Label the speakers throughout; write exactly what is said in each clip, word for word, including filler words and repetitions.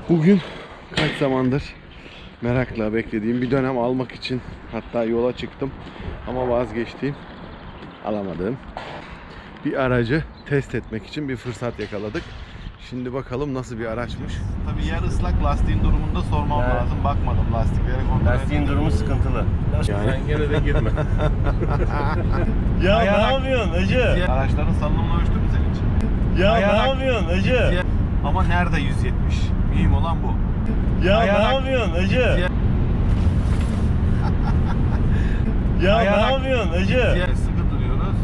Speaker 1: Bugün kaç zamandır merakla beklediğim bir dönem almak için hatta yola çıktım ama vazgeçtiğim, alamadığım bir aracı test etmek için bir fırsat yakaladık. Şimdi bakalım nasıl bir araçmış. Tabii yer ıslak, lastiğin durumunu da sormam
Speaker 2: Evet.
Speaker 1: lazım. Bakmadım lastiklere, kontrol
Speaker 2: Lastiğin durumu sıkıntılı.
Speaker 1: Yani.
Speaker 2: Sen gene de girme. Ya
Speaker 1: Ayarak-
Speaker 2: ne yapıyorsun hacı?
Speaker 1: Araçların salınımını ölçtü mü senin için?
Speaker 2: Ya
Speaker 1: Ayarak-
Speaker 2: ne yapıyorsun hacı?
Speaker 1: Ama nerede yüz yetmiş? Mühim olan bu.
Speaker 2: Ya
Speaker 1: Ayarak-
Speaker 2: ne yapıyorsun hacı? Ya
Speaker 1: Ayarak-
Speaker 2: ne yapıyorsun hacı?
Speaker 1: Sıkı duruyoruz.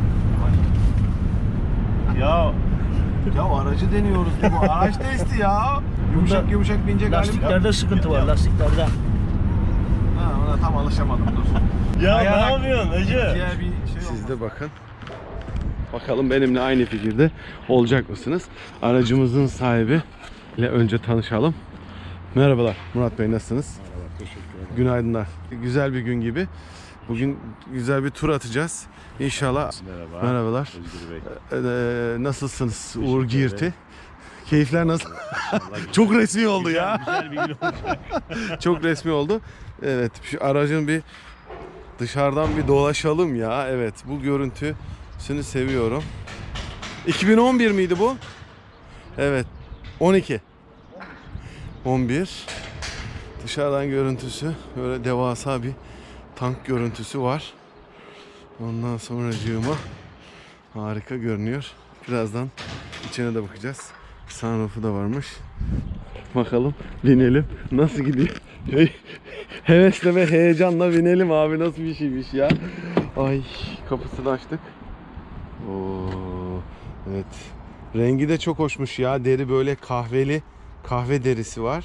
Speaker 2: Ya
Speaker 1: Ya aracı deniyoruz. Bu araç testi ya. Yumuşak
Speaker 3: Bunda
Speaker 1: yumuşak binecek halim yok.
Speaker 3: Lastiklerde sıkıntı var, lastiklerde.
Speaker 1: Ha, ona tam alışamadım, dur.
Speaker 2: ya
Speaker 1: Ayarak-
Speaker 2: ne yapıyorsun hacı?
Speaker 1: Diğer bir şey Siz de bakın. Bakalım benimle aynı fikirde olacak mısınız? Aracımızın sahibi ile önce tanışalım. Merhabalar Murat Bey, nasılsınız?
Speaker 4: Merhaba, teşekkür ederim.
Speaker 1: Günaydınlar. Güzel bir gün gibi. Bugün güzel bir tur atacağız. İnşallah.
Speaker 4: Merhaba.
Speaker 1: Merhabalar.
Speaker 4: Özgür Bey.
Speaker 1: Ee, nasılsınız Uğur
Speaker 4: ederim.
Speaker 1: Girti? Keyifler nasıl? Çok resmi oldu ya.
Speaker 2: Güzel bir gün olacak.
Speaker 1: Çok resmi oldu. Evet, şu aracın bir dışarıdan bir dolaşalım ya. Evet, bu görüntüsünü seviyorum. iki bin on bir miydi bu? Evet, on iki. on bir. Dışarıdan görüntüsü böyle devasa bir tank görüntüsü var. Ondan sonracığıma harika görünüyor. Birazdan içine de bakacağız. Sunroof'u da varmış. Bakalım, binelim. Nasıl gidiyor? Hey, hevesle ve heyecanla binelim abi, nasıl bir şeymiş ya. Ay, kapısını açtık. Oo, evet. Rengi de çok hoşmuş ya. Deri böyle kahveli, kahve derisi var.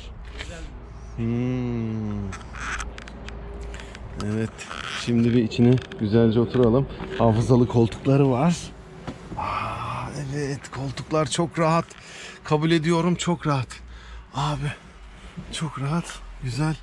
Speaker 1: Hmm. Evet. Şimdi bir içine güzelce oturalım. Hafızalı koltukları var. Aa, evet, koltuklar çok rahat. Kabul ediyorum, çok rahat. Abi çok rahat. Güzel.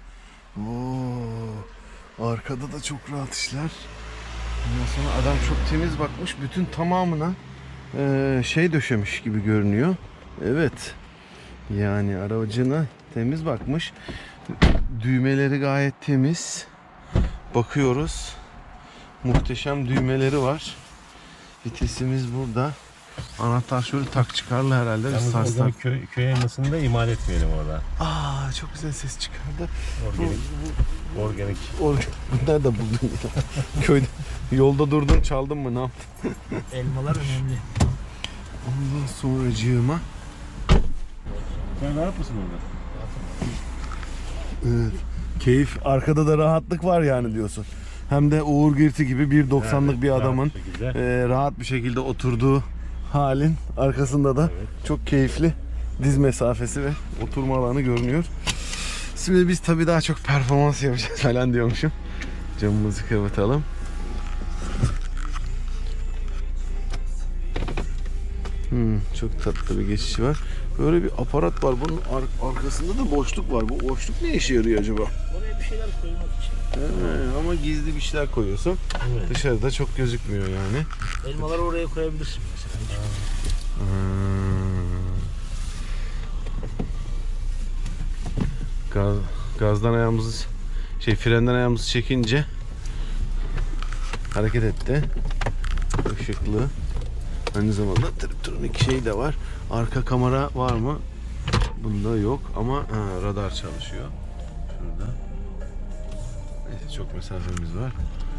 Speaker 1: Oo, arkada da çok rahat işler. Ondan sonra adam çok temiz bakmış. Bütün tamamına eee, şey döşemiş gibi görünüyor. Evet. Yani aracına temiz bakmış. Düğmeleri gayet temiz. Bakıyoruz. Muhteşem düğmeleri var. Vitesimiz burada. Anahtar şöyle tak çıkarlı herhalde. Bir
Speaker 2: Yalnız
Speaker 1: sarsar.
Speaker 2: organik köy, köy elmasını da imal etmeyelim orada.
Speaker 1: Aa, çok güzel ses çıkardı.
Speaker 2: Organik. Organik.
Speaker 1: O, nerede buldun ya? Köyde. Yolda durdun, çaldın mı, ne yaptın?
Speaker 3: Elmalar önemli.
Speaker 1: Ondan sonracığıma.
Speaker 2: Sen rahat mısın orada?
Speaker 1: Evet. Keyif, arkada da rahatlık var yani diyorsun. Hem de Uğur Girti gibi bir doksanlık
Speaker 2: Evet,
Speaker 1: bir
Speaker 2: rahat
Speaker 1: adamın
Speaker 2: bir şekilde.
Speaker 1: e, rahat bir şekilde oturduğu halin arkasında da
Speaker 2: Evet.
Speaker 1: çok keyifli diz mesafesi ve oturma alanı görünüyor. Şimdi biz tabii daha çok performans yapacağız falan diyormuşum. Camımızı kapatalım. Hmm, çok tatlı bir geçişi var. Böyle bir aparat var. Bunun ar- arkasında da boşluk var. Bu boşluk ne işe yarıyor acaba?
Speaker 3: Oraya bir şeyler koymak için.
Speaker 1: He, ama gizli bir şeyler koyuyorsun.
Speaker 2: Evet.
Speaker 1: Dışarıda çok gözükmüyor yani.
Speaker 3: Elmaları oraya koyabilirsin mesela.
Speaker 1: Hmm. Gaz, gazdan ayağımızı şey frenden ayağımızı çekince hareket etti. Işıklı. Aynı zamanda triptronik şey de var. Arka kamera var mı? Bunda yok ama ha, radar çalışıyor. Şurada. Neyse, çok mesafemiz var.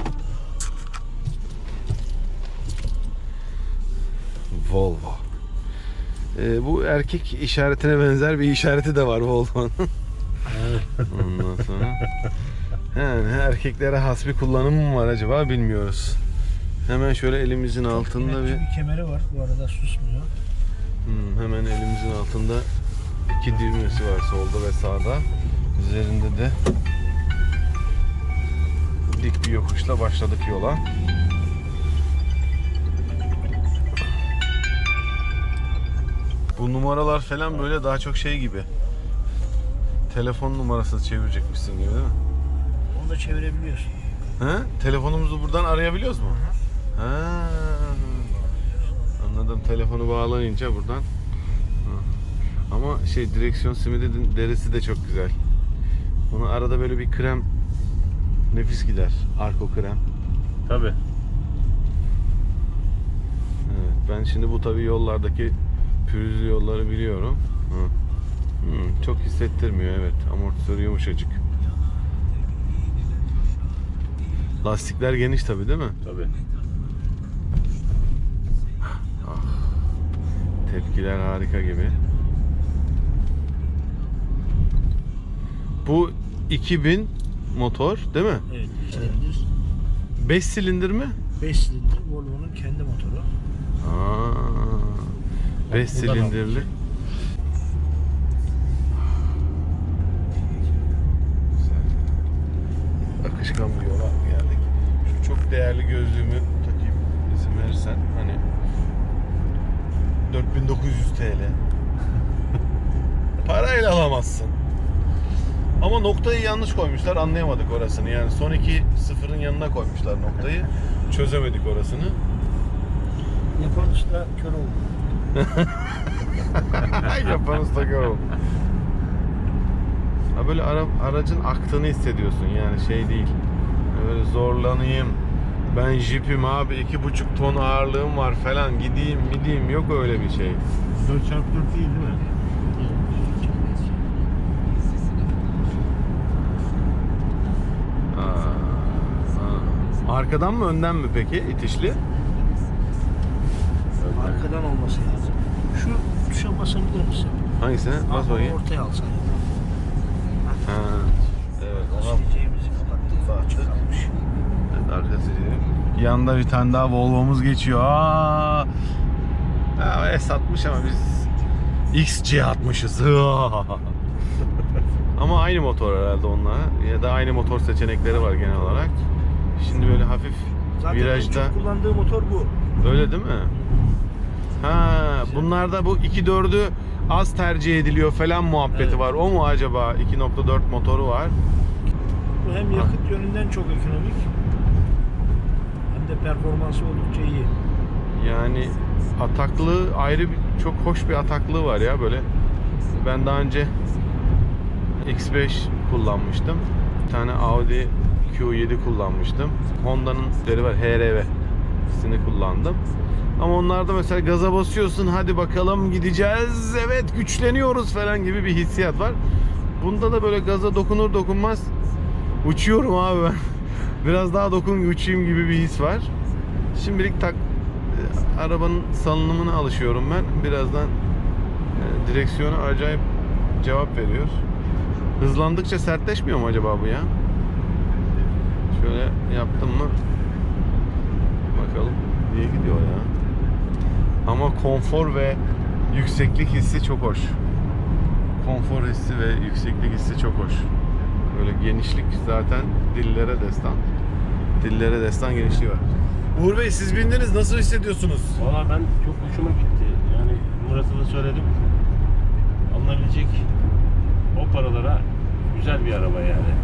Speaker 1: Volvo. Ee, bu erkek işaretine benzer bir işareti de var Volvo'nun. Ondan sonra yani erkeklere has bir kullanımı mı var acaba, bilmiyoruz. Hemen şöyle elimizin altında
Speaker 3: Kemer-
Speaker 1: bir
Speaker 3: bir kemeri var. Bu arada susmuyor.
Speaker 1: hmm, hemen elimizin altında iki düğmesi var, solda ve sağda. Üzerinde de dik bir yokuşla başladık yola. Bu numaralar falan böyle daha çok şey gibi. Telefon numarası çevirecekmişsin gibi, değil mi?
Speaker 3: Onu da çevirebiliyorsun.
Speaker 1: He? Telefonumuzu buradan arayabiliyoruz mu? Ha. Anladım. Telefonu bağlayınca buradan. Ama şey direksiyon simidi derisi de çok güzel. Bunu arada böyle bir krem nefis gider. Arko krem.
Speaker 2: Tabii.
Speaker 1: Evet, ben şimdi bu tabii yollardaki pürüzlü yolları biliyorum. Hı. Hı, çok hissettirmiyor, evet. Amortisörü yumuşacık. Lastikler geniş tabii, değil mi?
Speaker 2: Tabii.
Speaker 1: Tepkiler harika gibi. Bu iki bin motor değil mi?
Speaker 3: Evet. Silindir.
Speaker 1: beş silindir mi?
Speaker 3: beş silindir Volvo'nun kendi motoru.
Speaker 1: Aa, beş
Speaker 3: buradan
Speaker 1: silindirli.
Speaker 3: almış.
Speaker 1: Güzel. Akışkan bir yola geldik. Şu çok değerli gözlüğümü takayım izin verirsen. Hani dört bin dokuz yüz T L. Parayla alamazsın. Ama noktayı yanlış koymuşlar, anlayamadık orasını. Yani son iki sıfırın yanına koymuşlar noktayı. Çözemedik orasını.
Speaker 3: Yapan usta kör oldu.
Speaker 1: Yapan usta gör oldu. Ha böyle ara, aracın aktığını hissediyorsun, yani şey değil. Yani böyle zorlanayım. Ben jipim abi, iki buçuk ton ağırlığım var falan, gideyim gideyim, yok öyle bir şey.
Speaker 2: dört çarpı dört değil değil mi?
Speaker 1: Aa, aa. Arkadan mı önden mi peki itişli?
Speaker 3: Arkadan olması lazım. Şu tuşa basabilir misin?
Speaker 1: Hangisine? Bas
Speaker 3: Ama
Speaker 1: bakayım.
Speaker 3: ortaya alsan.
Speaker 1: Ha. Evet, ona
Speaker 3: Sileceğimizi kapattık. Açık kalmış.
Speaker 1: evet, arkası değil. Yanında bir tane daha Volvo'muz geçiyor. Aa! Ya, S altmış ama biz X C altmışız. Ama aynı motor herhalde onunla. Ya da aynı motor seçenekleri var genel olarak. Şimdi böyle hafif
Speaker 3: Zaten
Speaker 1: virajda.
Speaker 3: en çok kullandığı motor bu.
Speaker 1: Öyle değil mi? Ha, bunlarda bu iki dördü az tercih ediliyor falan muhabbeti
Speaker 3: Evet.
Speaker 1: var. O mu acaba? iki nokta dört motoru var.
Speaker 3: Bu hem yakıt yönünden çok ekonomik hem de performansı oldukça iyi.
Speaker 1: Yani ataklı ayrı bir, çok hoş bir ataklığı var ya böyle. Ben daha önce X beş kullanmıştım. Bir tane Audi Q yedi kullanmıştım. Honda'nın deri var, H R V'sini kullandım. Ama onlarda mesela gaza basıyorsun, hadi bakalım gideceğiz, evet güçleniyoruz falan gibi bir hissiyat var. Bunda da böyle gaza dokunur dokunmaz uçuyorum abi ben. Biraz daha dokun uçayım gibi bir his var. Şimdilik tak arabanın salınımına alışıyorum ben. Birazdan e, direksiyonu acayip cevap veriyor. Hızlandıkça sertleşmiyor mu acaba bu ya? Şöyle yaptım mı? Bakalım niye gidiyor ya? Ama konfor ve yükseklik hissi çok hoş. Konfor hissi ve yükseklik hissi çok hoş. Böyle genişlik zaten dillere destan. Dillere destan genişliği var. Uğur Bey, siz bindiniz, nasıl hissediyorsunuz?
Speaker 2: Valla ben çok hoşuma gitti. Yani Murat'a da söyledim. Alınabilecek o paralara güzel bir araba yani.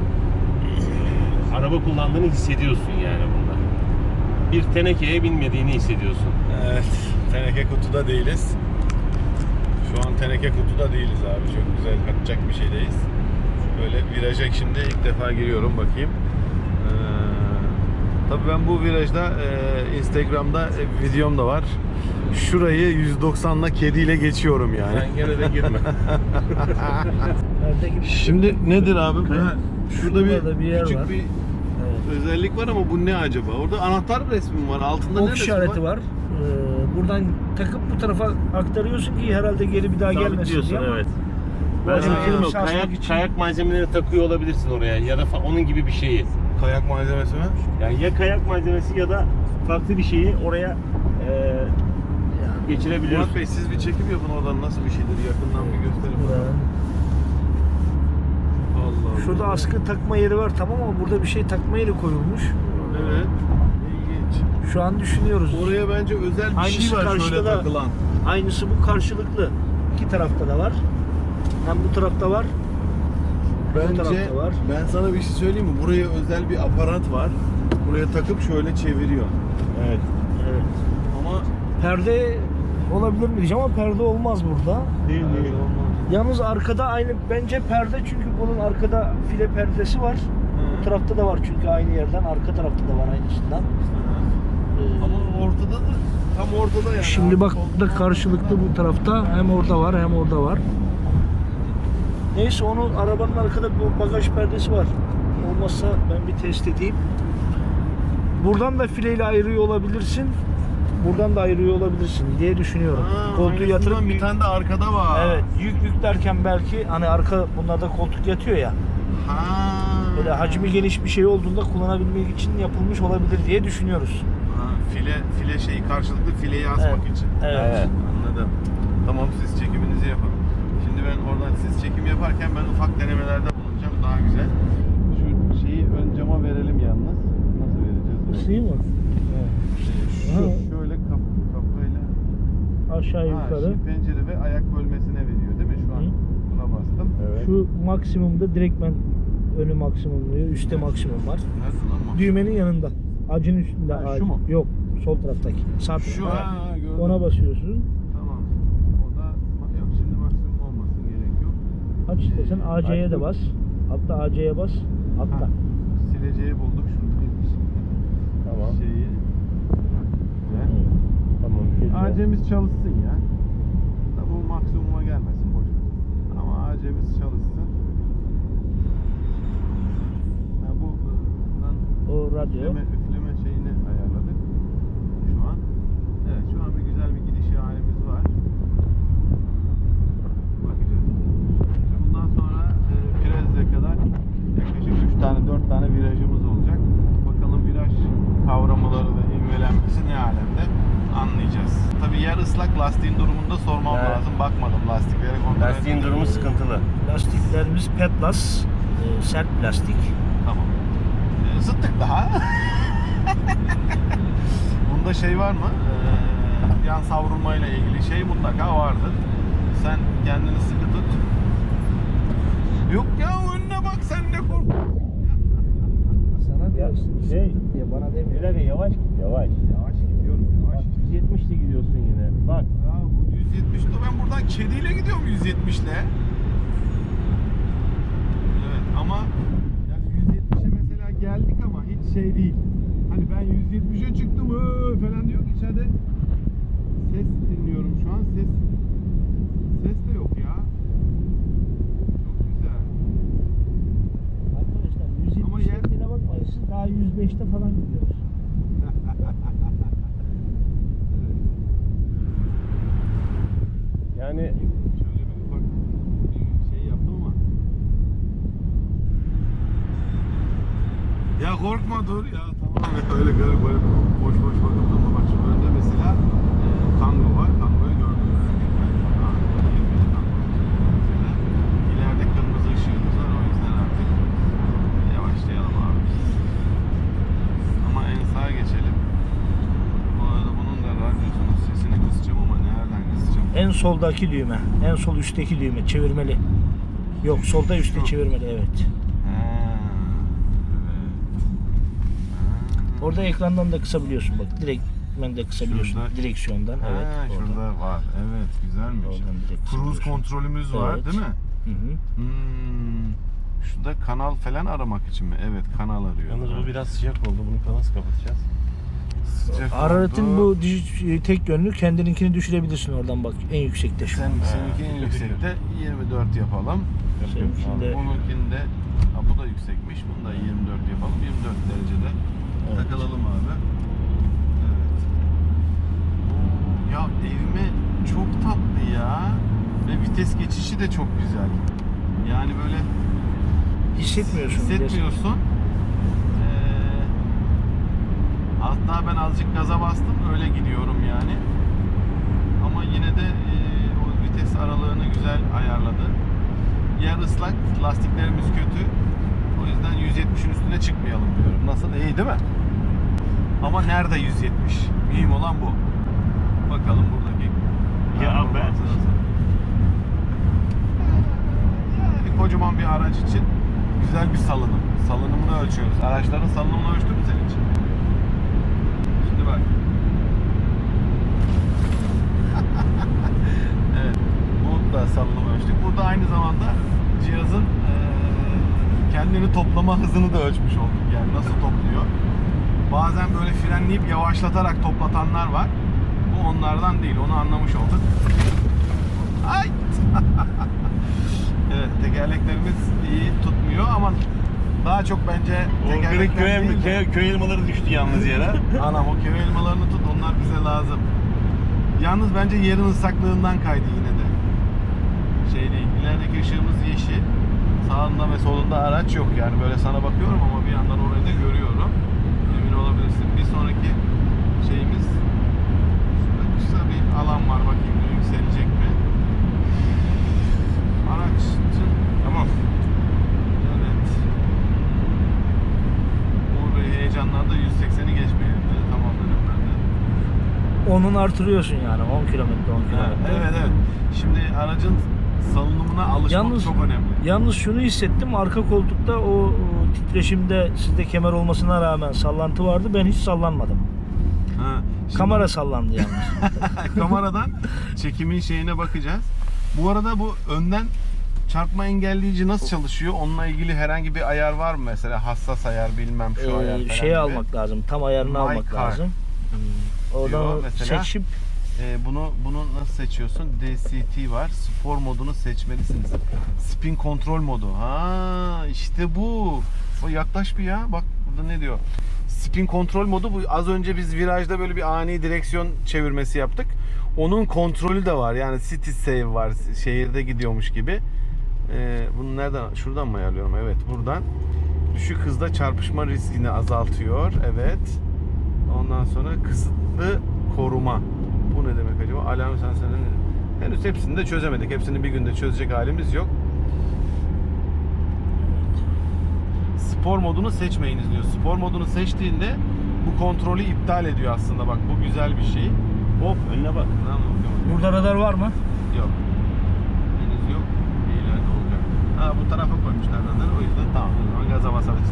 Speaker 2: Ee, araba kullandığını hissediyorsun yani bunda. Bir tenekeye binmediğini hissediyorsun.
Speaker 1: Evet, teneke kutuda değiliz. Şu an teneke kutuda değiliz abi. Çok güzel, kaçacak bir şeydeyiz. Böyle viraja şimdi ilk defa giriyorum, bakayım. Ee, tabii ben bu virajda e, Instagram'da e, videom da var. Şurayı yüz doksanla kediyle geçiyorum yani.
Speaker 2: Sen gene de girme.
Speaker 3: Nerede gibi?
Speaker 1: Şimdi nedir abi? Bu?
Speaker 3: Ha,
Speaker 1: Şurada bir,
Speaker 3: şurada bir yer
Speaker 1: küçük
Speaker 3: var.
Speaker 1: bir
Speaker 3: Evet.
Speaker 1: özellik var ama bu ne acaba? Orada anahtar resmi var. Altında ne
Speaker 3: Ok
Speaker 1: resmi
Speaker 3: işareti var. Ee, buradan takıp bu tarafa aktarıyorsun ki herhalde geri bir daha gelmesin
Speaker 2: Sabitliyorsun,
Speaker 3: diye ama
Speaker 2: evet.
Speaker 3: bu
Speaker 2: Ben
Speaker 1: Ha.
Speaker 2: sana söyleyeyim mi?
Speaker 3: açılmış
Speaker 2: Kayak,
Speaker 3: açmak için-
Speaker 2: kayak malzemelerini takıyor olabilirsin oraya ya da fa- onun gibi bir şeyi.
Speaker 1: Kayak malzemesi mi?
Speaker 2: Yani ya kayak malzemesi ya da farklı bir şeyi oraya e, geçirebiliyorsun.
Speaker 1: Murat Bey, siz bir çekim yapın oradan, nasıl bir şeydir yakından bir gösterin.
Speaker 3: Buranın-
Speaker 1: Allah Allah.
Speaker 3: Şurada askı takma yeri var tamam ama burada bir şey takma yeri koyulmuş.
Speaker 1: Evet. İlginç.
Speaker 3: Şu an düşünüyoruz.
Speaker 1: Oraya bence özel bir
Speaker 3: Aynısı
Speaker 1: şey var şöyle
Speaker 3: karşıda da-
Speaker 1: takılan.
Speaker 3: Aynısı bu karşılıklı. İki tarafta da var. Hem bu tarafta var.
Speaker 1: Bence
Speaker 3: tarafta var.
Speaker 1: ben sana bir şey söyleyeyim mi? Buraya özel bir aparat var. Buraya takıp şöyle çeviriyor.
Speaker 2: Evet.
Speaker 3: Evet.
Speaker 1: Ama
Speaker 3: Perde olabilir mi diyeceğim ama perde olmaz burada.
Speaker 2: Değil
Speaker 1: Öyle
Speaker 2: değil.
Speaker 1: olmaz.
Speaker 3: Yalnız arkada aynı bence perde, çünkü bunun arkada file perdesi var. Bu tarafta da var çünkü aynı yerden, arka tarafta da var aynısından. Ee,
Speaker 1: Ama ortada da, tam ortada yani.
Speaker 3: Şimdi bak da karşılıklı bu tarafta, hem orada var hem orada var. Neyse, onun arabanın arkada bu bagaj perdesi var. Olmazsa ben bir test edeyim. Buradan da fileyle ayırıyor olabilirsin. Buradan da ayırıyor olabilirsin diye düşünüyorum.
Speaker 1: Ha,
Speaker 3: Koltuğu yatırıp
Speaker 1: aynısından bir tane de arkada var.
Speaker 3: evet, yük yüklerken belki hani arka, bunlarda koltuk yatıyor ya.
Speaker 1: Ha.
Speaker 3: Böyle hacmi geniş bir şey olduğunda kullanabilmek için yapılmış olabilir diye düşünüyoruz.
Speaker 1: Ha, file file şeyi karşılıklı fileyi asmak
Speaker 3: Evet.
Speaker 1: için.
Speaker 3: Evet.
Speaker 1: Anladım. Tamam, siz çekiminizi yapın. Şimdi ben oradan siz çekim yaparken ben ufak denemelerde bulunacağım. Daha güzel. Şu şeyi ön cama verelim yalnız. Nasıl vereceğiz?
Speaker 3: Isıyı mı?
Speaker 1: Ee, Şu
Speaker 3: Ha.
Speaker 1: şöyle kap, kafayla
Speaker 3: Aşağı
Speaker 1: ha,
Speaker 3: yukarı.
Speaker 1: şimdi pencere ve ayak bölmesine veriyor değil mi şu an?
Speaker 3: Hı.
Speaker 1: Buna bastım.
Speaker 2: Evet.
Speaker 3: Şu maksimumda direktmen önü maksimumluyor. Üstte maksimum var.
Speaker 1: Nerede lan bu?
Speaker 3: Düğmenin yanında. Acın üstünde
Speaker 1: Ha,
Speaker 3: ağaç.
Speaker 1: şu mu?
Speaker 3: Yok. Sol taraftaki. Sağ
Speaker 1: Şu
Speaker 3: tarafta.
Speaker 1: ha, gördüm.
Speaker 3: Ona basıyorsun.
Speaker 1: Tamam. O da yok, şimdi maksimum olmasın, gerek yok.
Speaker 3: Aç istesen A C'ye de
Speaker 2: Açtım.
Speaker 3: bas. Hatta A C'ye bas. Atla.
Speaker 1: Ha, sileceği bulduk şuradaymış.
Speaker 2: Tamam.
Speaker 1: Şeyi. Ve
Speaker 2: Tamam. Peki.
Speaker 1: A'cemiz çalışsın ya. Tabi bu maksimuma gelmesin, boş ver. Ama A'cemiz çalışsın. Ha, bu bundan
Speaker 3: O radyo.
Speaker 1: üfleme, üfleme şeyini ayarladık. Şu an. Evet, şu an bir güzel bir gidiş halimiz var. Bakacağız. Bundan sonra e, Pirez'e kadar yaklaşık üç tane dört tane virajımız olacak. Bakalım viraj kavramaları ve ivmelenmesi ne alemde, anlayacağız. Tabii yer ıslak, lastiğin durumunu da sormam
Speaker 2: Evet.
Speaker 1: lazım. Bakmadım lastiklere, kontrol
Speaker 2: Lastiğin
Speaker 1: etmedim.
Speaker 2: durumu sıkıntılı.
Speaker 3: Lastiklerimiz Petlas. e, sert plastik.
Speaker 1: Tamam. Ee, zıttık daha. Bunda şey var mı? Ee, yan savrulmayla ilgili şey mutlaka vardır. Sen kendini sıkı tut. Yok ya, önüne bak, sen ne korkuyorsun?
Speaker 3: Sana diyorsun.
Speaker 2: şey-
Speaker 3: sıkıntı diye bana
Speaker 2: Bir
Speaker 3: demiyor.
Speaker 2: dakika, yavaş git yavaş.
Speaker 1: Yavaş gidiyorum, yavaş.
Speaker 2: yüz yetmişle gidiyorsun yine. Bak.
Speaker 1: Ya bu yüz yetmişte ben buradan kediyle gidiyorum yüz yetmişle. Evet ama yani yüz yetmişe mesela geldik ama hiç şey değil. Hani ben yüz yetmişe çıktım öö falan diyor ki içeride ses dinliyorum şu an. Ses ses de yok ya. Çok güzel.
Speaker 3: Arkadaşlar
Speaker 1: Ama
Speaker 3: yüz
Speaker 1: yer-
Speaker 3: yetmişe bakmayın, siz daha yüz beşte falan gidiyoruz.
Speaker 2: Yani
Speaker 1: Şöyle bir ufak bir şey yaptım ama. Ya korkma, dur ya, tamam ya, öyle böyle böyle boş boş bakıp durma. Bak şu önde mesela e, Tango var. Tango'yu gördüm ben. Ha, yirmi Tango. Mesela ileride kırmızı ışığımız var, o yüzden artık yavaşlayalım abi. Ama en sağa geçelim. Bu arada bunun da radyosunun sesini kısacağım ama nereden kısacağım?
Speaker 3: En soldaki düğme. En sol üstteki düğme. Çevirmeli. Yok, solda üstte
Speaker 1: Şu.
Speaker 3: çevirmeli, evet.
Speaker 1: Ha, evet. Ha.
Speaker 3: Orada ekrandan da kısabiliyorsun bak. Direkt ben de kısabiliyorsun.
Speaker 1: Şurada-
Speaker 3: Direksiyondan.
Speaker 1: Ha,
Speaker 3: Evet. oradan.
Speaker 1: şurada var. Evet, güzelmiş.
Speaker 3: Oradan direkt
Speaker 1: Cruise
Speaker 3: kısabiliyorsun.
Speaker 1: kontrolümüz var,
Speaker 3: Evet.
Speaker 1: değil mi?
Speaker 3: Hı hı.
Speaker 1: Hmm. Şurada kanal falan aramak için mi? Evet, kanal arıyor.
Speaker 2: yalnız bu biraz sıcak oldu. Bunu nasıl kapatacağız?
Speaker 1: Sıcak
Speaker 3: Hararetin
Speaker 1: oldu.
Speaker 3: bu dij- tek yönlü, kendininkini düşürebilirsin oradan bak. En yüksekte şu an.
Speaker 1: Sen, seninki en yüksekte yirmi dört yapalım.
Speaker 3: Seninkinde-
Speaker 1: Bununkinde, ha, bu da yüksekmiş. Bunu da yirmi dört yapalım. yirmi dört derecede
Speaker 3: Evet.
Speaker 1: takılalım abi. Evet. Ya evime çok tatlı ya. Ve vites geçişi de çok güzel. Yani böyle
Speaker 3: Hissetmiyorsun. bile.
Speaker 1: hissetmiyorsun. Ee, hatta ben azıcık gaza bastım, öyle gidiyorum yani. Ama yine de e, o vites aralığını güzel ayarladı. Yer ıslak, lastiklerimiz kötü. O yüzden yüz yetmişin üstüne çıkmayalım diyorum. Nasıl? İyi değil mi? Ama nerede yüz yetmiş? Mühim olan bu. Bakalım buradaki
Speaker 2: Ya ben-
Speaker 1: performansı nasıl? Yani kocaman bir araç için güzel bir salınım. Salınımını ölçüyoruz. Araçların salınımını ölçtün mü senin için? Şimdi bak. Evet. Bu da salınım ölçtük. Burada aynı zamanda cihazın e, kendini toplama hızını da ölçmüş olduk. Yani nasıl topluyor. Bazen böyle frenleyip yavaşlatarak toplatanlar var. Bu onlardan değil. Onu anlamış olduk. Ay! Evet, tekerleklerimiz iyi tutmuyor ama daha çok bence
Speaker 2: O kırık
Speaker 1: tekerlekler
Speaker 2: köy,
Speaker 1: değil de-
Speaker 2: köy, köy elmaları düştü yalnız yere.
Speaker 1: Anam o köy elmalarını tut, onlar bize lazım. Yalnız bence yerin ıslaklığından kaydı yine de. Şey değil, ilerideki ışığımız yeşil. Sağında ve solunda araç yok yani. Böyle sana bakıyorum ama bir yandan orayı da görüyorum. Emin olabilirsin. Bir sonraki şeyimiz şurada kısa bir alan var, bakayım yükselecek mi? Araçın
Speaker 2: Tamam.
Speaker 1: evet. Uğur Bey heyecanlandı, yüz sekseni geçmeyelim dedi. Tamam dedim ben de.
Speaker 3: Onun artırıyorsun yani on kilometre on kilometre.
Speaker 1: Evet evet. Şimdi aracın salınımına alışmak
Speaker 3: Yalnız,
Speaker 1: çok önemli.
Speaker 3: yalnız şunu hissettim, arka koltukta o, o titreşimde sizde kemer olmasına rağmen sallantı vardı, ben hiç sallanmadım.
Speaker 1: Ha, şimdi
Speaker 3: Kamera sallandı yalnız.
Speaker 1: kameradan çekimin şeyine bakacağız. Bu arada bu önden çarpma engelleyici nasıl çalışıyor? Onunla ilgili herhangi bir ayar var mı mesela? Hassas ayar, bilmem şu ayar
Speaker 3: Ee,
Speaker 1: falan
Speaker 3: şeyi
Speaker 1: gibi.
Speaker 3: almak lazım, tam ayarını
Speaker 1: My
Speaker 3: almak
Speaker 1: car
Speaker 3: lazım. Hmm. Oradan
Speaker 1: diyor
Speaker 3: o
Speaker 1: mesela.
Speaker 3: seçip
Speaker 1: Ee, bunu bunu nasıl seçiyorsun? D C T var. Spor modunu seçmelisiniz. Spin kontrol modu. Ha işte bu. O yaklaş bir ya. Bak burada ne diyor? Spin kontrol modu bu. Az önce biz virajda böyle bir ani direksiyon çevirmesi yaptık. Onun kontrolü de var. Yani city save var. Şehirde gidiyormuş gibi. Ee, bunu nereden? Şuradan mı ayarlıyorum? Evet, buradan. Düşük hızda çarpışma riskini azaltıyor. Evet. Ondan sonra kısıtlı koruma. Bu ne demek acaba? Alarm sensörünün henüz hepsini de çözemedik. Hepsini bir günde çözecek halimiz yok. Spor modunu seçmeyiniz diyor. Spor modunu seçtiğinde bu kontrolü iptal ediyor aslında. Bak bu güzel bir şey.
Speaker 2: Hop önüne bak.
Speaker 1: Tamam mı?
Speaker 3: burada radar var mı?
Speaker 1: Yok. Henüz yok. İleride olacak. Ha bu tarafa koymuşlar zaten. O yüzden tamam. O zaman gaza basarız.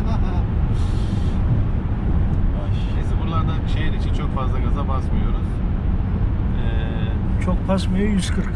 Speaker 1: Neyse buralarda şehir için çok fazla gaza basmıyoruz. Ee,
Speaker 3: Çok basmıyor, yüz kırk.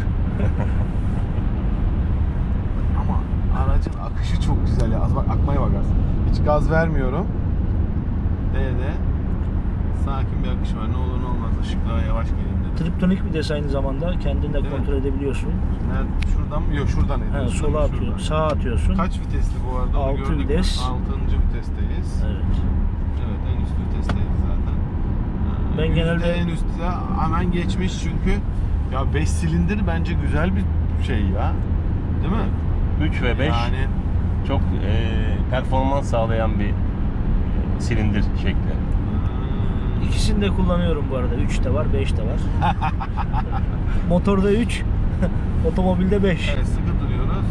Speaker 1: ama aracın akışı çok güzel ya. Az bak akmaya bakarsın. Hiç gaz vermiyorum. D'de sakin bir akış var. Ne olur ne olmaz. Işıklara yavaş gelin dedim.
Speaker 3: Triptonik bir de aynı zamanda kendin de
Speaker 1: Evet.
Speaker 3: kontrol edebiliyorsun.
Speaker 1: Nerede? Şuradan mı? Yok şuradan
Speaker 3: Ha,
Speaker 1: ediyorsun.
Speaker 3: sola
Speaker 1: Şuradan.
Speaker 3: atıyorsun, sağa atıyorsun.
Speaker 1: Kaç vitesli bu arada? Onu
Speaker 3: Altı
Speaker 1: gördük mü?
Speaker 3: vites.
Speaker 1: Altıncı vitesteyiz.
Speaker 3: Evet.
Speaker 1: Evet, en üst vitesteyiz zaten. Ee,
Speaker 3: Ben
Speaker 1: yüzde
Speaker 3: genelde-
Speaker 1: en üstte hemen geçmiş çünkü ya beş silindir bence güzel bir şey ya. Değil mi?
Speaker 2: üç ve beş
Speaker 1: Yani
Speaker 2: çok e, performans sağlayan bir e, silindir şekli.
Speaker 1: hmm,
Speaker 3: İkisini de kullanıyorum bu arada. üç de var, beş de var. Motorda üç, otomobilde beş.
Speaker 1: evet, sıkı duruyoruz.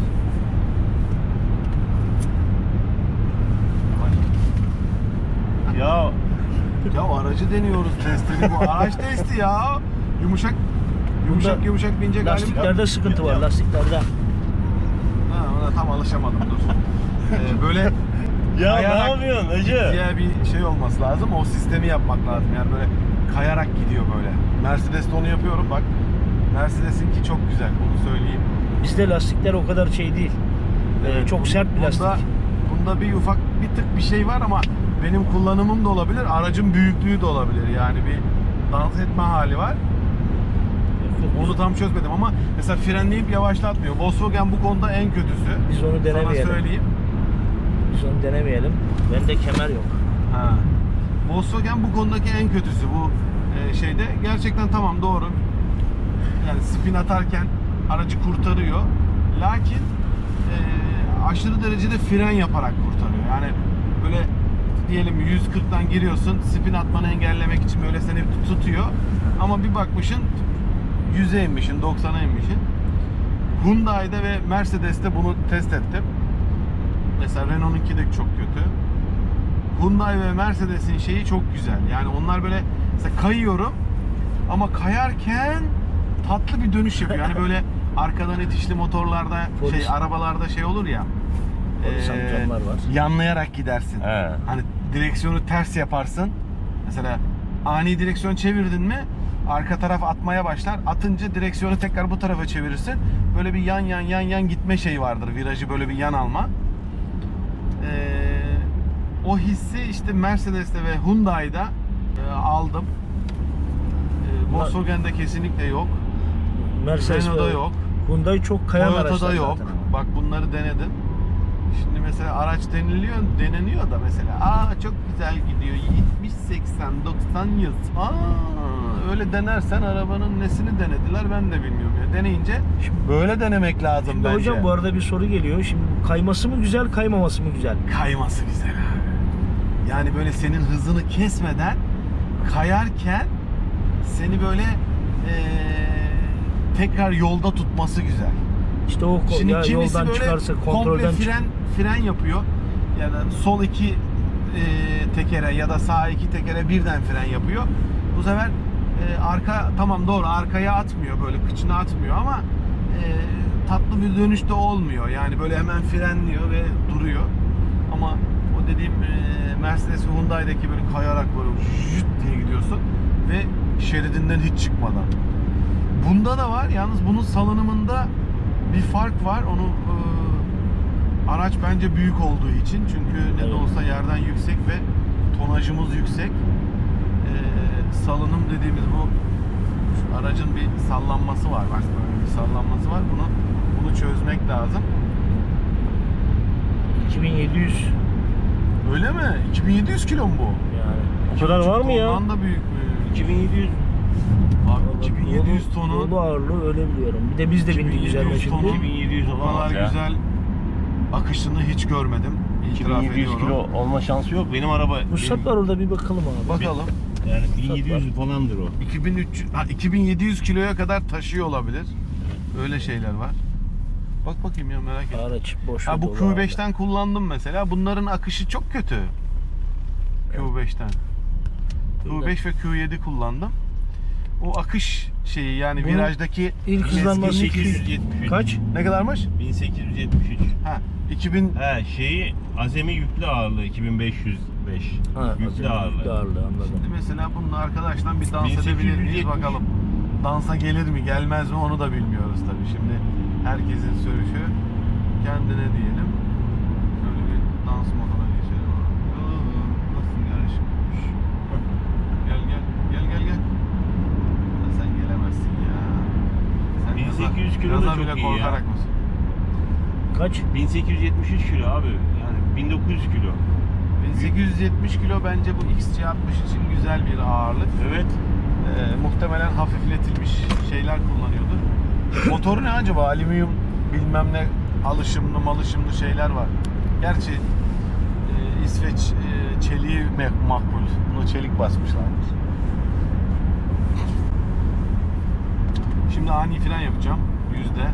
Speaker 2: Ya
Speaker 1: Ya aracı deniyoruz, testini bu. Araç testi ya. Yumuşak yumuşak
Speaker 3: Bunda
Speaker 1: yumuşak binecek halim.
Speaker 3: Lastiklerde sıkıntı var, lastiklerde.
Speaker 1: Ha, ona tam alışamadım dur. Ee, böyle
Speaker 2: ya
Speaker 1: kayarak
Speaker 2: ne yapıyorsun Hacı?
Speaker 1: diye bir şey olması lazım. O sistemi yapmak lazım. Yani böyle kayarak gidiyor böyle. Mercedes'te onu yapıyorum bak. Mercedes'inki çok güzel. Onu söyleyeyim.
Speaker 3: Bizde lastikler o kadar şey değil. Ee,
Speaker 1: Evet,
Speaker 3: çok
Speaker 1: bun-
Speaker 3: sert bir lastik.
Speaker 1: Bunda, bunda bir ufak bir tık bir şey var ama benim kullanımım da olabilir. Aracın büyüklüğü de olabilir. Yani bir dans etme hali var. Onu tam çözmedim ama mesela frenleyip yavaşlatmıyor. Volkswagen bu konuda en kötüsü.
Speaker 3: Biz onu
Speaker 1: Sana
Speaker 3: denemeyelim.
Speaker 1: söyleyeyim.
Speaker 3: Biz onu denemeyelim. Bende kemer yok.
Speaker 1: Ha. Volkswagen bu konudaki en kötüsü bu e, şeyde. Gerçekten tamam doğru. Yani spin atarken aracı kurtarıyor. Lakin e, aşırı derecede fren yaparak kurtarıyor. Yani böyle diyelim yüz kırktan giriyorsun. Spin atmanı engellemek için böyle seni tutuyor. Ama bir bakmışsın yüze inmişsin, doksana inmişsin. Hyundai'de ve Mercedes'te bunu test ettim. Mesela Renault'unki de çok kötü. Hyundai ve Mercedes'in şeyi çok güzel. Yani onlar böyle mesela kayıyorum ama kayarken tatlı bir dönüş yapıyor. Yani böyle arkadan itişli motorlarda
Speaker 3: Polis.
Speaker 1: şey arabalarda şey olur ya.
Speaker 3: Polis amcamlar var.
Speaker 1: Yanlayarak gidersin.
Speaker 2: He.
Speaker 1: Hani direksiyonu ters yaparsın. Mesela ani direksiyon çevirdin mi arka taraf atmaya başlar. Atınca direksiyonu tekrar bu tarafa çevirirsin. böyle bir yan yan yan yan gitme şeyi vardır. Virajı böyle bir yan alma. Ee, o hissi işte Mercedes'te ve Hyundai'da e, aldım. E, Volkswagen'de kesinlikle yok.
Speaker 3: Mercedes
Speaker 1: Renault'da
Speaker 3: ve
Speaker 1: yok.
Speaker 3: Hyundai çok kayan araçlar
Speaker 1: Toyota'da yok.
Speaker 3: zaten ama.
Speaker 1: Bak bunları denedim. Şimdi mesela araç deniliyor, deneniyor da mesela aa çok güzel gidiyor yetmiş seksen doksan yıl. Aa öyle denersen arabanın nesini denediler ben de bilmiyorum ya. Deneyince
Speaker 3: Şimdi,
Speaker 1: böyle denemek lazım
Speaker 3: şimdi
Speaker 1: bence.
Speaker 3: hocam bu arada bir soru geliyor. Şimdi kayması mı güzel, kaymaması mı güzel?
Speaker 1: Kayması güzel abi. Yani böyle senin hızını kesmeden kayarken seni böyle eee, tekrar yolda tutması güzel.
Speaker 3: İşte o ko-
Speaker 1: Şimdi
Speaker 3: ya
Speaker 1: kimisi
Speaker 3: yoldan
Speaker 1: böyle
Speaker 3: çıkarsa
Speaker 1: komple
Speaker 3: kontrolden çık-
Speaker 1: fren fren yapıyor. Yani sol iki e, tekere ya da sağ iki tekere birden fren yapıyor. Bu sefer e, arka tamam doğru arkaya atmıyor böyle kıçına atmıyor ama e, tatlı bir dönüşte olmuyor. Yani böyle hemen frenliyor ve duruyor. Ama o dediğim e, Mercedes ve Hyundai'deki böyle kayarak böyle jüt diye gidiyorsun ve şeridinden hiç çıkmadan. Bunda da var. Yalnız bunun salınımında bir fark var. Onu e, araç bence büyük olduğu için. Çünkü ne de olsa yerden yüksek ve tonajımız yüksek. E, salınım dediğimiz bu şu aracın bir sallanması var. Bak böyle bir sallanması var. Bunu bunu çözmek lazım.
Speaker 3: iki bin yedi yüz
Speaker 1: Öyle mi? iki bin yedi yüz kilo mu bu?
Speaker 3: yani.
Speaker 2: O kadar var mı ya?
Speaker 1: Ondan da büyük mü?
Speaker 2: iki bin yedi yüz.
Speaker 1: Abi iki bin yedi yüz tonu.
Speaker 3: Yolu ağırlığı öyle biliyorum. Bir de biz de bindik
Speaker 1: iki bin yedi yüz
Speaker 3: üzerine
Speaker 1: tonu.
Speaker 3: şimdi.
Speaker 2: iki bin yedi yüz
Speaker 1: Bu kadar
Speaker 2: olamaz ya.
Speaker 1: güzel akışını hiç görmedim.
Speaker 2: iki bin
Speaker 1: İtiraf
Speaker 2: yedi yüz
Speaker 1: ediyorum.
Speaker 2: kilo olma şansı yok. Benim araba
Speaker 3: Ruhsat var orada bir bakalım abi.
Speaker 1: Bakalım.
Speaker 2: yani bin yedi yüz falandır o.
Speaker 1: iki bin üç yüz, ha, iki bin yedi yüz kiloya kadar taşıyor olabilir. Öyle şeyler var. Bak bakayım ya merak ettim.
Speaker 3: Araç boş.
Speaker 1: Ha, bu
Speaker 3: dolu
Speaker 1: Q beşten kullandım mesela. Bunların akışı çok kötü. Q beşten. Q beş ve Q yedi kullandım. O akış şeyi yani
Speaker 3: Bunun
Speaker 1: virajdaki
Speaker 3: İlk hızlanması
Speaker 1: mezgin-
Speaker 3: iki yüz.
Speaker 2: bin sekiz yüz yetmiş üç.
Speaker 3: Kaç?
Speaker 1: ne kadarmış?
Speaker 2: bin sekiz yüz yetmiş üç.
Speaker 1: Ha iki bin
Speaker 2: He şeyi azami yüklü ağırlığı iki bin beş yüz beş.
Speaker 3: Ha,
Speaker 2: yüklü ağırlığı.
Speaker 3: Yüklü ağırlığı anladım.
Speaker 1: mesela bununla arkadaşlar bir dans
Speaker 2: bin sekiz yüz
Speaker 1: edebilir miyiz
Speaker 2: yetmiş.
Speaker 1: bakalım. Dansa gelir mi gelmez mi onu da bilmiyoruz tabii. Şimdi herkesin sürüşü kendine diyelim. Şöyle bir dans moduna geçelim. Nasıl yarışım? Gel gel gel gel gel. Ya sen gelemezsin ya. Sen
Speaker 2: bin
Speaker 1: gaza-
Speaker 2: sekiz yüz kilo da
Speaker 1: gaza
Speaker 2: çok
Speaker 1: bile
Speaker 2: iyi ya.
Speaker 1: korkarak mısın?
Speaker 3: Kaç?
Speaker 2: bin sekiz yüz yetmiş üç kilo abi. Yani bin dokuz yüz kilo.
Speaker 1: bin sekiz yüz yetmiş kilo bence bu X C altmış için güzel bir ağırlık.
Speaker 2: Evet.
Speaker 1: Ee, muhtemelen hafifletilmiş şeyler kullanıyordur. Motoru ne acaba? Alüminyum bilmem ne alışımlı malışımlı şeyler var. Gerçi e, İsveç e, çeliği me- makbul. Buna çelik basmışlardır. Şimdi ani fren yapacağım. Yüzde.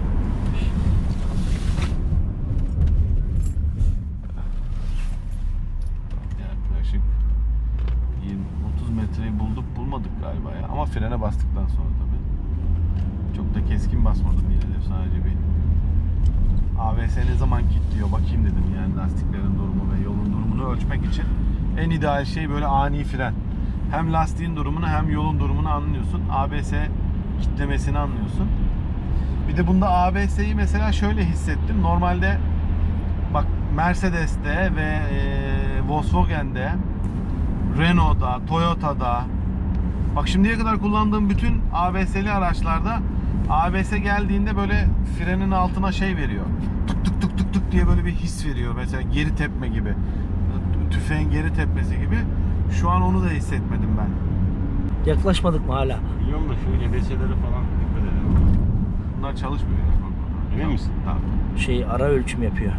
Speaker 1: Yaklaşık yirmi otuz metreyi bulduk bulmadık galiba ya. Ama frene bastıktan sonra tabii. Çok da keskin basmadım yine de sadece bir A B S ne zaman kilitliyor bakayım dedim yani lastiklerin durumu ve yolun durumunu ölçmek için en ideal şey böyle ani fren. Hem lastiğin durumunu hem yolun durumunu anlıyorsun. A B S kilitlemesini anlıyorsun. Bir de bunda A B S'yi mesela şöyle hissettim. Normalde bak Mercedes'te ve e, Volkswagen'de, Renault'da, Toyota'da bak şimdiye kadar kullandığım bütün A B S'li araçlarda A B S geldiğinde böyle frenin altına şey veriyor. Tık tık tık tık tık diye böyle bir his veriyor. Mesela geri tepme gibi. Tüfeğin geri tepmesi gibi. Şu an onu da hissetmedim ben.
Speaker 3: Yaklaşmadık mı hala?
Speaker 2: Biliyorum da şu E B S'lere falan dikkat edelim.
Speaker 1: Bunlar çalışmıyor. ya.
Speaker 2: Emin misin?
Speaker 1: Tamam.
Speaker 3: Şey ara ölçüm yapıyor.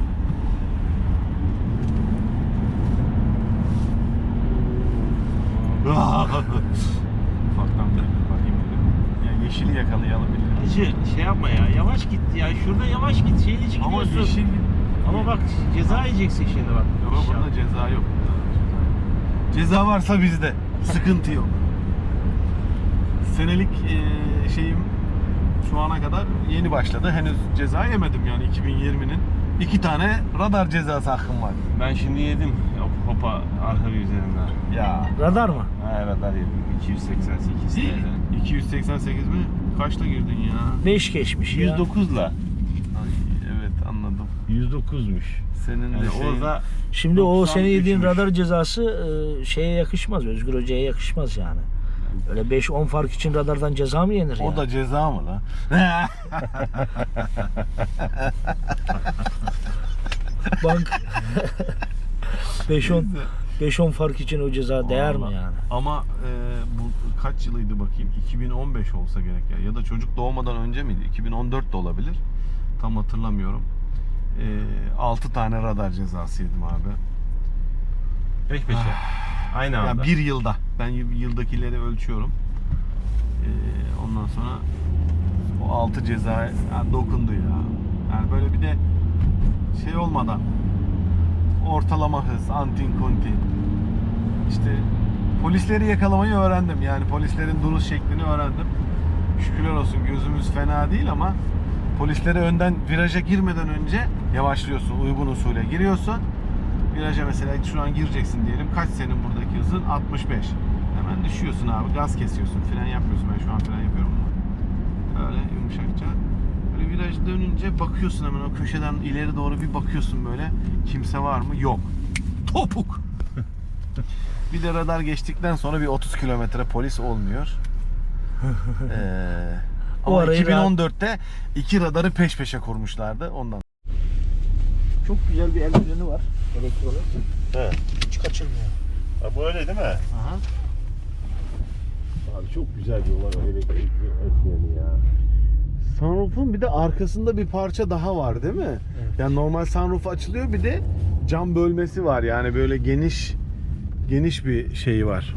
Speaker 1: Ufaktan bir bakayım dedim. Ya yeşili yakalayalım bir.
Speaker 2: Hacı şey yapma ya yavaş git ya şurada yavaş git şeyli
Speaker 1: Ama
Speaker 2: gidiyorsun.
Speaker 1: yeşil
Speaker 2: Ama bak ceza yiyeceksin şimdi bak.
Speaker 1: Yok burada ceza yok. Ceza varsa bizde. Sıkıntı yok. Senelik e, şeyim şu ana kadar yeni başladı. Henüz ceza yemedim yani iki bin yirminin. iki tane radar cezası hakkım var.
Speaker 2: Ben şimdi yedim Hop- hopa arka bir üzerinden.
Speaker 1: Ya
Speaker 3: Radar mı?
Speaker 2: Ha radar yedim iki yüz seksen sekiz T L.
Speaker 1: iki yüz seksen sekiz mi? Kaçta girdin ya?
Speaker 3: beş geçmiş ya.
Speaker 2: yüz dokuzla yüz dokuzmuş.
Speaker 1: Senin
Speaker 2: Yani
Speaker 1: de şeyin-
Speaker 2: orada
Speaker 3: Şimdi o senin yediğin
Speaker 1: doksan üçmüş.
Speaker 3: radar cezası e, şeye yakışmaz. Özgür Hoca'ya yakışmaz yani. Öyle beş on fark için radardan ceza mı yenir ya?
Speaker 1: O da ceza mı lan?
Speaker 3: Bank beş on beş on fark için o ceza değer mi
Speaker 1: Vallahi.
Speaker 3: yani?
Speaker 1: Ama e, bu kaç yılıydı bakayım? iki bin on beş olsa gerek ya. Ya da çocuk doğmadan önce miydi? iki bin on dört de olabilir. Tam hatırlamıyorum. E, altı tane radar cezası yedim abi.
Speaker 2: peş peşe. Aynı
Speaker 1: Ya
Speaker 2: anda.
Speaker 1: bir yılda. Ben y- yıldakileri ölçüyorum. E, ondan sonra o altı ceza yani dokundu ya. Yani böyle bir de şey olmadan ortalama hız, antin kuntin. İşte polisleri yakalamayı öğrendim. Yani polislerin duruş şeklini öğrendim. Şükürler olsun gözümüz fena değil ama polislere önden viraja girmeden önce yavaşlıyorsun. Uygun usule giriyorsun. Viraja mesela şu an gireceksin diyelim. Kaç senin buradaki hızın? altmış beş. Hemen düşüyorsun abi. Gaz kesiyorsun. Fren yapmıyorsun. Ben şu an fren yapıyorum ama. Öyle yumuşakça. Böyle viraj dönünce bakıyorsun hemen o köşeden ileri doğru bir bakıyorsun böyle. Kimse var mı? Yok. Topuk. Bir de radar geçtikten sonra bir otuz kilometre polis olmuyor. ee,
Speaker 3: O
Speaker 1: ama
Speaker 3: arayı
Speaker 1: iki bin on dörtte iki radarı peş peşe kurmuşlardı ondan.
Speaker 3: Çok güzel bir el freni var. Elektronik.
Speaker 2: He.
Speaker 3: Hiç kaçırmıyor.
Speaker 2: Ha, bu öyle değil mi?
Speaker 3: Aha.
Speaker 2: Abi çok güzel bir olay elektrikli el ya.
Speaker 1: Sunroof'un bir de arkasında bir parça daha var değil mi?
Speaker 3: Evet.
Speaker 1: Yani normal sunroof açılıyor bir de cam bölmesi var yani böyle geniş geniş bir şey var.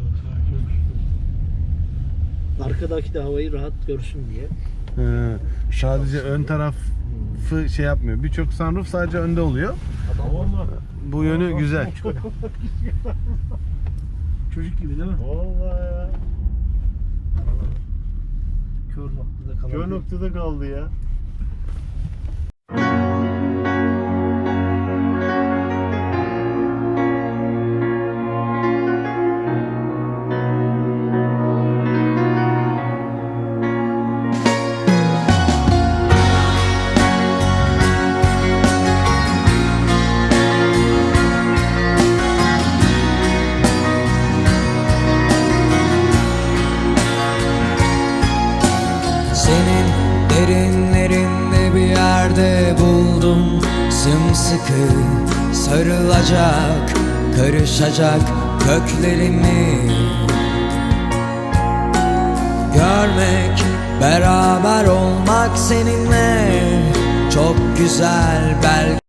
Speaker 3: Arkadaki de havayı rahat görsün diye.
Speaker 1: He, sadece ön tarafı şey yapmıyor. Birçok sunroof sadece önde oluyor.
Speaker 3: Adam
Speaker 2: Vallahi.
Speaker 1: Bu yönü güzel.
Speaker 3: çocuk gibi değil mi?
Speaker 2: Vallahi ya.
Speaker 3: Kör noktada kalabilir.
Speaker 2: Kör noktada kaldı ya.
Speaker 4: Senin derinlerinde bir yerde buldum sımsıkı sarılacak, karışacak köklerimi. Görmek, beraber olmak seninle çok güzel belki.